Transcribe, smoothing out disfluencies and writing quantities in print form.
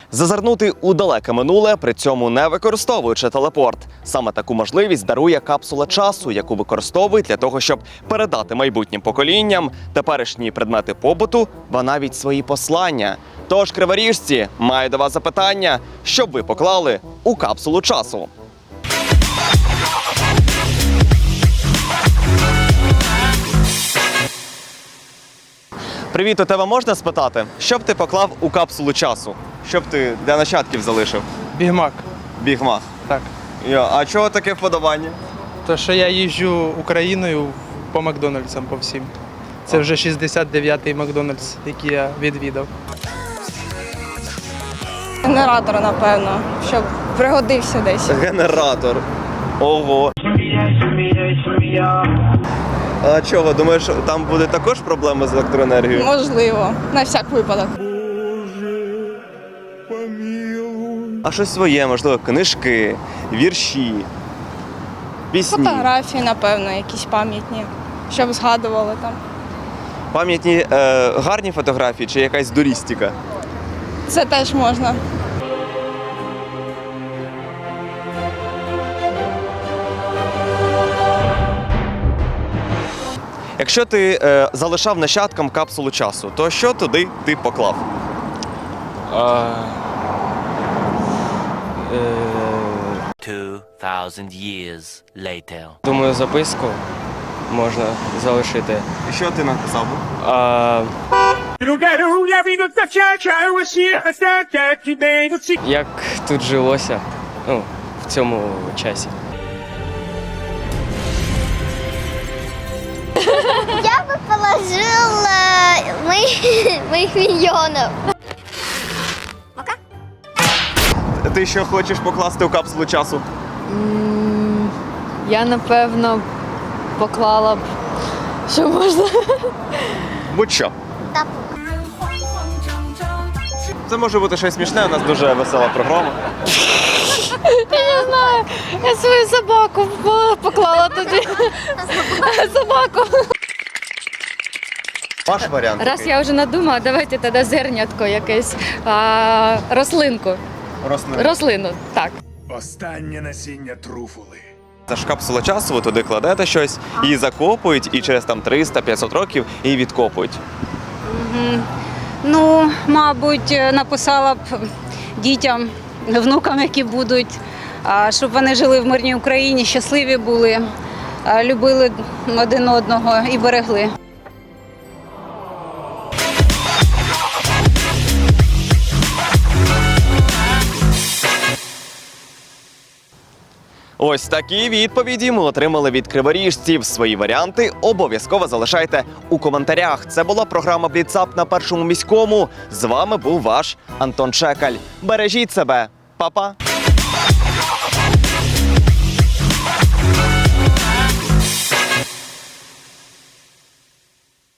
Зазирнути у далеке минуле, при цьому не використовуючи телепорт. Саме таку можливість дарує капсула часу, яку використовують для того, щоб передати майбутнім поколінням теперішні предмети побуту, ба навіть свої послання. Тож, криворіжці, маю до вас запитання, що б ви поклали у капсулу часу? Привіт, у тебе можна спитати, що б ти поклав у капсулу часу? Що б ти для нащадків залишив? Бігмак. Бігмак. Так. А чого таке вподобання? То, що я їжджу Україною по Макдональдсам по всім. Це вже 69-й Макдональдс, який я відвідав. Генератор, напевно, щоб пригодився десь. Генератор. Ого. А чого? Думаєш, там буде також проблеми з електроенергією? Можливо, на всяк випадок. А щось своє, можливо, книжки, вірші, пісні. Фотографії, напевно, якісь пам'ятні, щоб згадували там. Пам'ятні гарні фотографії чи якась дурістика? Це теж можна. Якщо ти залишав нащадкам капсулу часу, то що туди ти поклав? 2,000 years later. Думаю, записку можна залишити. І що ти написав? Як тут жилося, в цьому часі. Я бы положила моих миньонов. Ти що хочеш покласти у капсулу часу? Я, напевно, поклала б, що можна. Будь-що. Тапок. Це може бути щось смішне, у нас дуже весела програма. Я не знаю, я свою собаку поклала туди. Собаку. Ваш варіант. Раз я вже надумала, давайте тоді зернятко якесь, рослинку. Рослину, так. Останнє насіння труфули. Це ж капсула часу, ви туди кладете щось, її закопують, і через там 300-500 років її відкопують. Ну, мабуть, написала б дітям, внукам, які будуть, щоб вони жили в мирній Україні, щасливі були, любили один одного і берегли. Ось такі відповіді ми отримали від криворіжців. Свої варіанти обов'язково залишайте у коментарях. Це була програма «Бліцап» на Першому міському. З вами був ваш Антон Чекаль. Бережіть себе. Па-па!